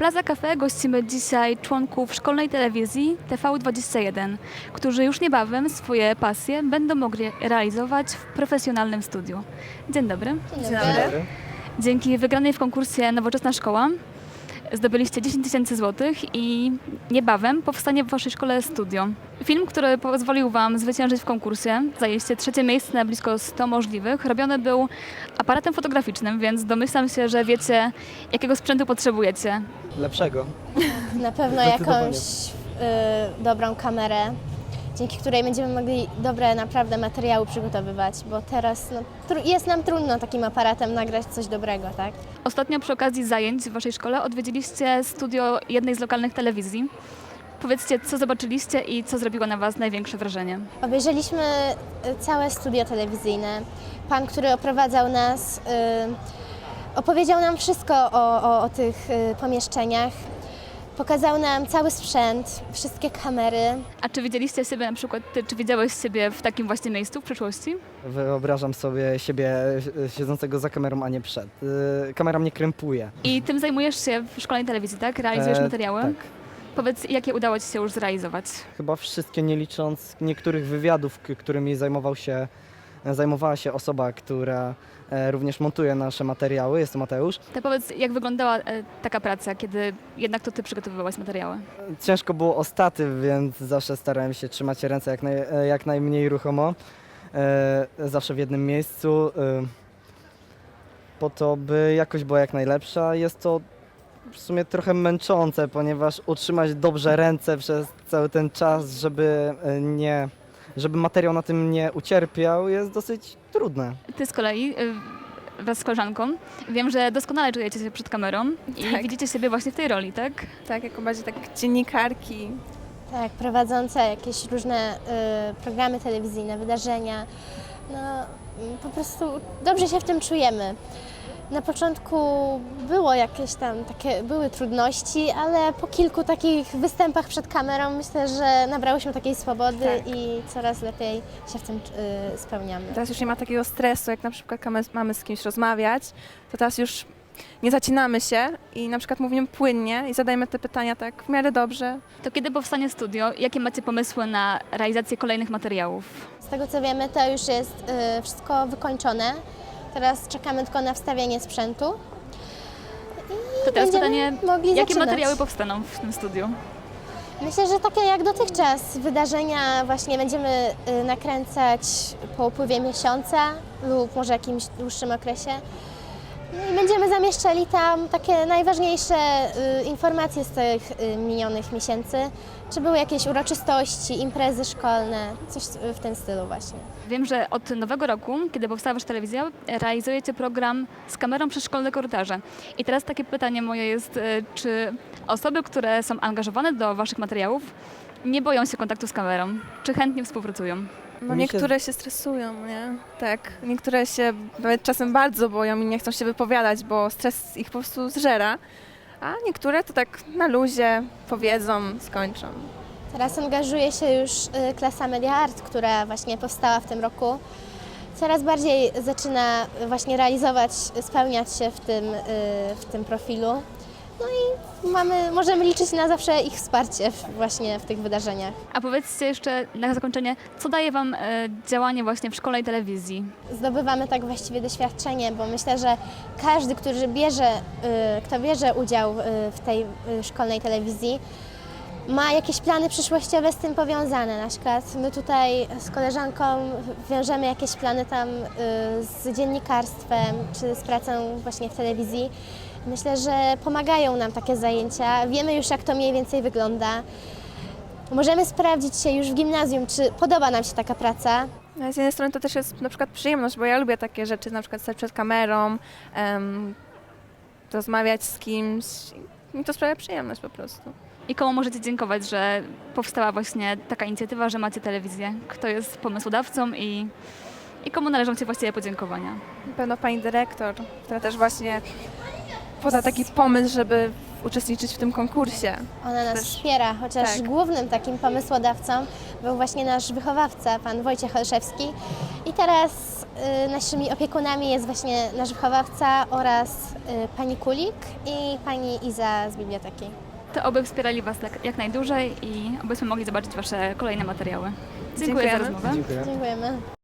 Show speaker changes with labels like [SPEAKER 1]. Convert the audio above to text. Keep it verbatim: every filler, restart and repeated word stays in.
[SPEAKER 1] Plaza Cafe gościmy dzisiaj członków szkolnej telewizji T V dwadzieścia jeden, którzy już niebawem swoje pasje będą mogli realizować w profesjonalnym studiu. Dzień dobry.
[SPEAKER 2] Dzień dobry.
[SPEAKER 1] Dzięki wygranej w konkursie Nowoczesna Szkoła zdobyliście dziesięć tysięcy złotych i niebawem powstanie w waszej szkole studio. Film, który pozwolił wam zwyciężyć w konkursie, zajęliście trzecie miejsce na blisko stu możliwych, robiony był aparatem fotograficznym, więc domyślam się, że wiecie, jakiego sprzętu potrzebujecie.
[SPEAKER 3] Lepszego.
[SPEAKER 2] Na pewno
[SPEAKER 3] Zdecydowanie.
[SPEAKER 2] jakąś y, dobrą kamerę, dzięki której będziemy mogli dobre naprawdę materiały przygotowywać, bo teraz no, tru- jest nam trudno takim aparatem nagrać coś dobrego, tak?
[SPEAKER 1] Ostatnio przy okazji zajęć w waszej szkole odwiedziliście studio jednej z lokalnych telewizji. Powiedzcie, co zobaczyliście i co zrobiło na was największe wrażenie.
[SPEAKER 2] Obejrzeliśmy y, całe studio telewizyjne. Pan, który oprowadzał nas, y, opowiedział nam wszystko o, o, o tych y, pomieszczeniach. Pokazał nam cały sprzęt, wszystkie kamery.
[SPEAKER 1] A czy widzieliście siebie na przykład, ty, czy widziałeś siebie w takim właśnie miejscu w przyszłości?
[SPEAKER 3] Wyobrażam sobie siebie e, siedzącego za kamerą, a nie przed. E, Kamera mnie krępuje.
[SPEAKER 1] I tym zajmujesz się w szkolnej telewizji, tak? Realizujesz
[SPEAKER 3] E,
[SPEAKER 1] materiały?
[SPEAKER 3] Tak.
[SPEAKER 1] Powiedz, jakie udało ci się już zrealizować?
[SPEAKER 3] Chyba wszystkie, nie licząc niektórych wywiadów, k- którymi zajmował się, zajmowała się osoba, która e, również montuje nasze materiały. Jest to Mateusz.
[SPEAKER 1] To powiedz, jak wyglądała e, taka praca, kiedy jednak to ty przygotowywałaś materiały?
[SPEAKER 3] Ciężko było o statyw, więc zawsze starałem się trzymać ręce jak, naj, e, jak najmniej ruchomo. E, zawsze w jednym miejscu, e, po to, by jakość była jak najlepsza. Jest to w sumie trochę męczące, ponieważ utrzymać dobrze ręce przez cały ten czas, żeby e, nie, żeby materiał na tym nie ucierpiał, jest dosyć trudne.
[SPEAKER 1] Ty z kolei y, wraz z koleżanką, wiem, że doskonale czujecie się przed kamerą i
[SPEAKER 4] Tak.
[SPEAKER 1] widzicie siebie właśnie w tej roli, tak?
[SPEAKER 4] Tak, jako bardziej tak dziennikarki.
[SPEAKER 2] Tak, prowadzące jakieś różne y, programy telewizyjne, wydarzenia. No, mm, po prostu dobrze się w tym czujemy. Na początku było jakieś tam takie, były trudności, ale po kilku takich występach przed kamerą myślę, że nabrałyśmy takiej swobody
[SPEAKER 4] Tak.
[SPEAKER 2] i coraz lepiej się w tym y, spełniamy.
[SPEAKER 4] Teraz już nie ma takiego stresu, jak na przykład mamy, mamy z kimś rozmawiać, to teraz już nie zacinamy się i na przykład mówimy płynnie i zadajemy te pytania tak w miarę dobrze.
[SPEAKER 1] To kiedy powstanie studio? Jakie macie pomysły na realizację kolejnych materiałów?
[SPEAKER 2] Z tego co wiemy, to już jest y, wszystko wykończone. Teraz czekamy tylko na wstawienie sprzętu. I
[SPEAKER 1] To teraz
[SPEAKER 2] będziemy
[SPEAKER 1] pytanie,
[SPEAKER 2] mogli
[SPEAKER 1] jakie
[SPEAKER 2] zaczynać.
[SPEAKER 1] materiały powstaną w tym studiu?
[SPEAKER 2] Myślę, że takie jak dotychczas wydarzenia właśnie będziemy y, nakręcać po upływie miesiąca lub może jakimś dłuższym okresie. No i będziemy zamieszczali tam takie najważniejsze y, informacje z tych y, minionych miesięcy. Czy były jakieś uroczystości, imprezy szkolne, coś w tym stylu właśnie.
[SPEAKER 1] Wiem, że od nowego roku, kiedy powstała wasza telewizja, realizujecie program z kamerą przez szkolne korytarze. I teraz takie pytanie moje jest, e, czy osoby, które są angażowane do waszych materiałów, nie boją się kontaktu z kamerą? Czy chętnie współpracują?
[SPEAKER 4] No
[SPEAKER 3] Mi się-
[SPEAKER 4] niektóre się stresują, nie? Tak, niektóre się nawet czasem bardzo boją i nie chcą się wypowiadać, bo stres ich po prostu zżera, a niektóre to tak na luzie powiedzą, skończą.
[SPEAKER 2] Teraz angażuje się już y, klasa Media Art, która właśnie powstała w tym roku. Coraz bardziej zaczyna właśnie realizować, spełniać się w tym, y, w tym profilu. No i mamy, możemy liczyć na zawsze ich wsparcie w, właśnie w tych wydarzeniach.
[SPEAKER 1] A powiedzcie jeszcze na zakończenie, co daje wam e, działanie właśnie w szkolnej telewizji?
[SPEAKER 2] Zdobywamy tak właściwie doświadczenie, bo myślę, że każdy, który bierze, y, kto bierze udział y, w tej y, szkolnej telewizji, ma jakieś plany przyszłościowe z tym powiązane. Na przykład my tutaj z koleżanką wiążemy jakieś plany tam y, z dziennikarstwem czy z pracą właśnie w telewizji. Myślę, że pomagają nam takie zajęcia. Wiemy już, jak to mniej więcej wygląda. Możemy sprawdzić się już w gimnazjum, czy podoba nam się taka praca.
[SPEAKER 4] A z jednej strony to też jest na przykład przyjemność, bo ja lubię takie rzeczy, na przykład stać przed kamerą, em, rozmawiać z kimś. Mi to sprawia przyjemność po prostu.
[SPEAKER 1] I komu możecie dziękować, że powstała właśnie taka inicjatywa, że macie telewizję? Kto jest pomysłodawcą i, i komu należą się właściwie podziękowania?
[SPEAKER 4] Na pewno pani dyrektor, która też właśnie poda taki pomysł, żeby uczestniczyć w tym konkursie.
[SPEAKER 2] Ona nas
[SPEAKER 4] Też-
[SPEAKER 2] wspiera, chociaż
[SPEAKER 4] tak.
[SPEAKER 2] głównym takim pomysłodawcą był właśnie nasz wychowawca, pan Wojciech Olszewski. I teraz y, naszymi opiekunami jest właśnie nasz wychowawca oraz y, pani Kulik i pani Iza z biblioteki.
[SPEAKER 1] To oby wspierali Was jak, jak najdłużej i obyśmy mogli zobaczyć Wasze kolejne materiały. Dziękuję za
[SPEAKER 4] Dziękujemy.
[SPEAKER 1] rozmowę.
[SPEAKER 3] Dziękuję.
[SPEAKER 2] Dziękujemy.